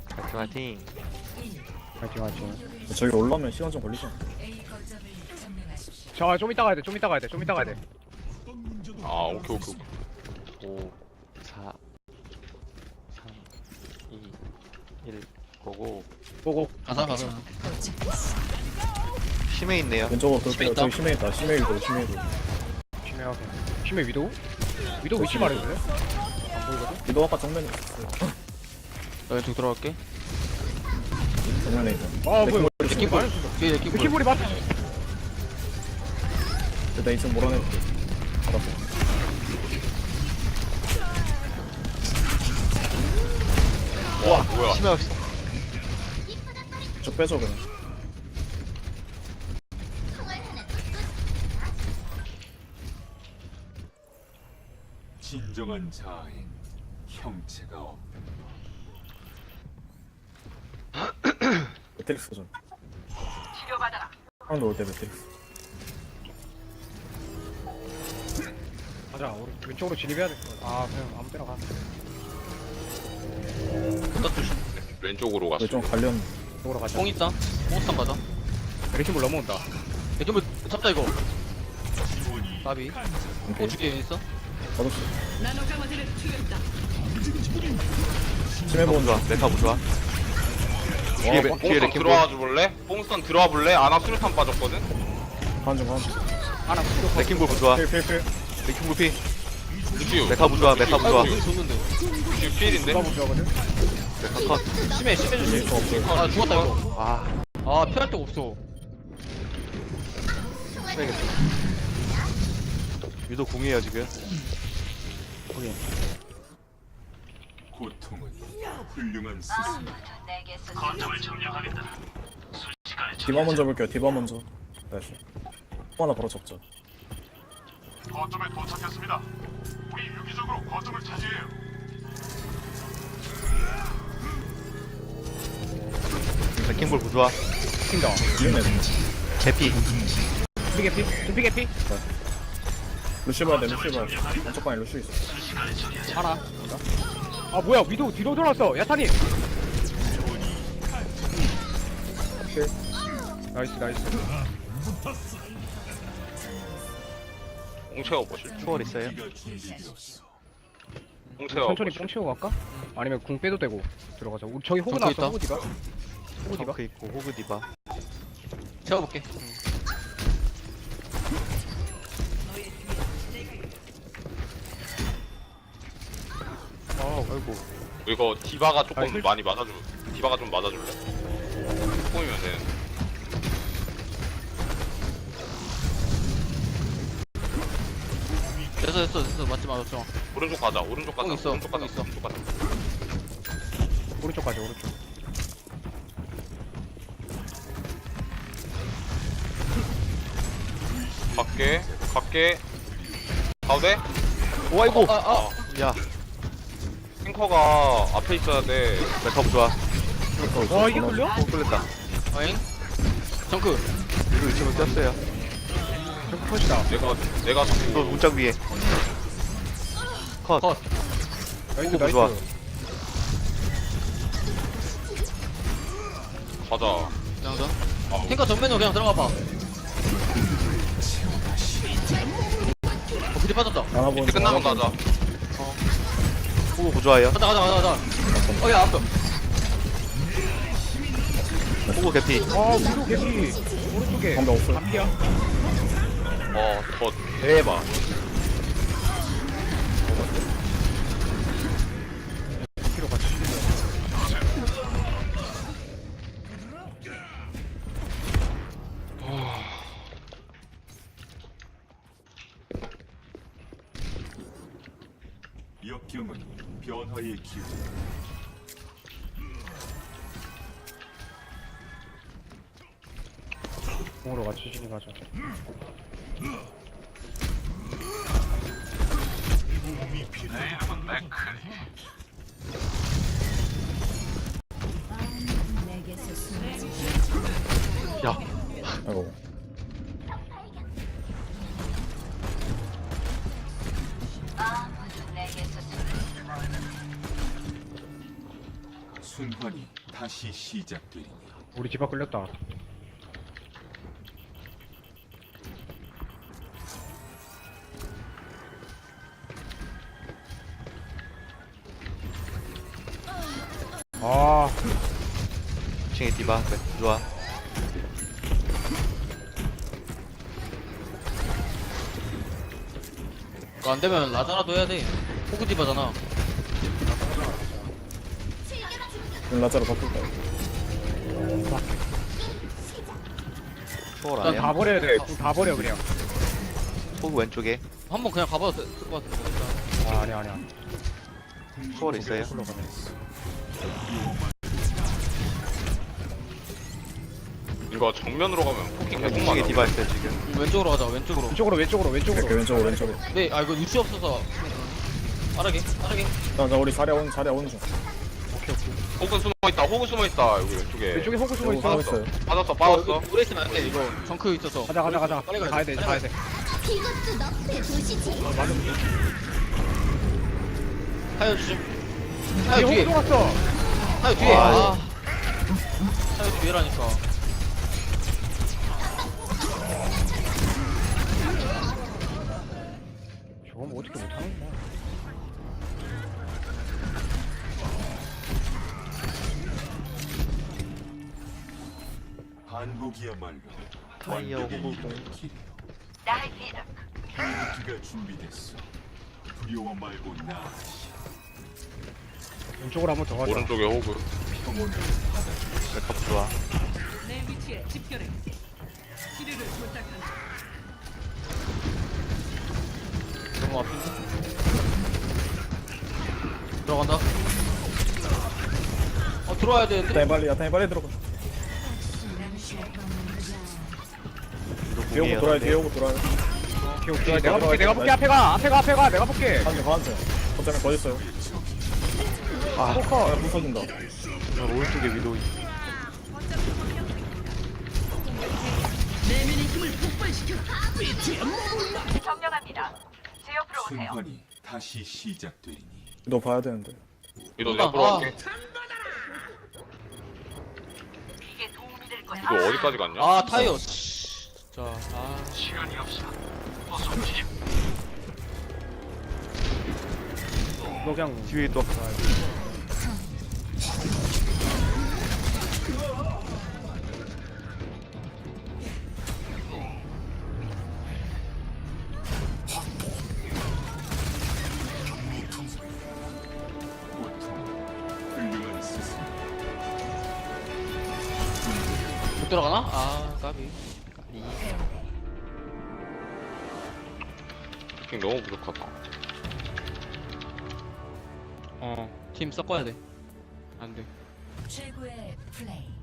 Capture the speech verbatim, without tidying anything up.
화이팅 화이팅. 화이팅 화이팅. 저기 올라오면 시간 좀 걸리죠. 자, 좀 이따 가야 돼. 좀 이따 가야 돼. 좀 이따 가야 돼. 아 오케이 오케이 오케이. 오, 사, 삼, 이, 일. 고고. 고고. 가자 가자. 심해 있네요. 왼쪽으로 심해 돌게요. 있다. 저기 심해 있다. 심해 위도 심해 위도. 심해하게. 심해 위도우? 위도우 위치 말해줄래? 안 보이거든? 위도 아까 정면에 있었어요. 나 왼쪽 들어갈게. 정면에 있어. 아, 뭐야. 느낌 볼. 뒤에 느낌 볼. 키보리 맞 일단 이층 몰아내볼게. 알았어. 와 뭐야? 심해 없어. 쭉 빼줘 그냥. 진정한 자아엔 형체가 없다. 매트릭스 좀. 한번 올때 매트릭스. 가자. 우리 왼쪽으로 진입해야 돼. 아, 그냥 아무 때나 가. 왼쪽으로 갔어. 좀 관련. 쪽으로 가자. 뽕 있다. 뽕스탄 가자. 레킹볼 넘어온다. 느낌볼 잡자 이거. 나비. 뽕 오케이. 주기에 있어. 받았어. 심해 메카 보는 좋아. 메카 좋아. 뒤에 와, 메- 뒤에 뽕스턴 레킹볼. 들어와 줄래? 뽕스턴 들어와 볼래? 아나 수류탄 빠졌거든. 한중 한중. 하나 수도 레킹볼 부좋아. 필필필. 레킹볼 피. 루시우. 메카 부좋아. 메카 부좋아. 아이고 좋는데. 루시우 필인데. 누가 보자거든? 메카 컷. 심해 심해 주지. 저 없어요. 아 죽었다 이거. 와, 아 피할 데가 없어. 심해겠다. 유도 공이에요 지금. 고통은 훌륭한 스승. 디바 먼저 볼게요. 디바 먼저. 나이스. 또 하나 바로 접자. 거점에 도착했습니다. 우리 유기적으로 거점을 차지해요. 레킹볼 부좋아. 뛴다. 이은혜. 개피. 준비 개피? 준비 개피? 루시 봐야 돼. 루시 봐야 돼. 왼쪽 방에 루시 있어. 하나. 아, 뭐야. 위도우 뒤로 돌았어. 야타님. 나이스, 나이스. 뽕 채워보실. 초월 있어요? 뽕 채워. 천천히 뽕 채우고 갈까? 아니면 궁 빼도 되고 들어가자. 우리 저기 호구 정크 나왔어. 있다. 호구 디바. 호구 디바. 덩크 있고 호그 디바. 채워볼게. 아, 아이고. 이거 디바가 조금 아니, 힐- 많이 맞아줄. 디바가 좀 맞아줄래? 뽕이면 되는. 됐어 됐어 됐어 맞지 맞았죠. 오른쪽 가자. 오른쪽 가자. 뽕 있어, 오른쪽 가자. 뽕 있어. 오른쪽 가자. 오른쪽 가자. 오른쪽. 갈게. 갈게. 가운데. 오, 아이고. 아 아. 야, 탱커가 앞에 있어야 돼. 메카 부좋아. 와, 이게 걸려? 오, 끌렸다. 어잉. 정크. 유도 위치면 꼈어요. 저기 컷이다. 내가 내가 또 문짝 위에. 컷. 컷. 나이스, 호구 나이스. 좋아. 가자. 그냥 자. 탱커 전면으로 그냥 들어가 봐. 어 그대 빠졌다. 하나 보는 이제 끝나면 가자. 호그 부좋아요. 가자 가자 가자 가자. 어야 앞에. 호그 개피. 아, 위도우 개피. 오른쪽에. 방금 없어요. 앞이야. 어, 더 대박. 뒤로 같이. 역경은 변화의 기회. 공으로 같이 진입하자. 야, 아이고. 순환이 다시 시작되리니 우리 집 앞 끌렸다. 아, 이 층에 디바. 네, 좋아. 그거 안 되면 라자라도 해야 돼. 호그 디바잖아. 그럼 라자로 바꿀까요? 초월 일단 아니야? 다 버려야 돼. 그거 다 버려 그냥. 호구 왼쪽에. 한번 그냥 가봐도 될 것 같은데. 아, 아니야 아니야. 초월 있어요. 이거 정면으로 가면 포킹 계속 왼쪽에 맞아. 디바 있어요 지금. 음, 왼쪽으로 가자. 왼쪽으로. 왼쪽으로 왼쪽으로 이렇게 왼쪽으로. 왼쪽으로 왼쪽으로. 네, 아 이거 위치 없어서. 빠르게, 빠르게. 자, 자 우리 자리야 오는 자리야 오는 중. 호그 숨어 있다. 호그 숨어 있다. 여기 왼쪽에. 왼쪽에 호구 숨어 여기 가고 있어. 있어요. 빠졌어. 어, 빠졌어. 이거 오래 있으면 안 돼. 이거 정크 있어서. 가자 가자 가자. 빨리 가야 가야 돼 빨리 가야 돼. 이것도 너의 도시지. 타이어 주심. 뒤에 타이어 뒤에. 호구 왔어. 타이어 뒤에. 아, 아. 타이어 뒤에라니까. 저거 뭐 어떻게 못하는 거야? 반복이야말로 타이어 호구공. 기가 준비됐어. 두려워 말고 나 왼쪽으로 한번 더 가자. 오른쪽에 호그. 평온을 백합 좋아. 내 위치에 집결해. 치료를 부탁한다. 너무 앞인데? 들어간다. 어 들어와야 되는데. 야타이 빨리 야타이 빨리 들어가. 뒤에 오고 돌아요. 뒤에 오고 돌아요. 오케이 오케이. 내가 볼게 내가 볼게 앞에 가 앞에 가 앞에 가 내가 볼게. 한대 반대. 거점에 거 있어요. 아, 아 부서진다. 오른쪽에 위도. 내면의 힘을 폭발시켜. 순환이 다시 시작되리니 너 봐야 되는데. 이거 아, 옆으로 아. 갈게. 이거 어디까지 갔냐? 아 타이어. 진짜. 아. 너 그냥 뒤에 또. 고통 훌륭한 스승 못 들어가나? 아 까비. 까비. 포킹 너무 부족하다. 어. 팀 섞어야 돼. 안 돼. 최고의 플레이.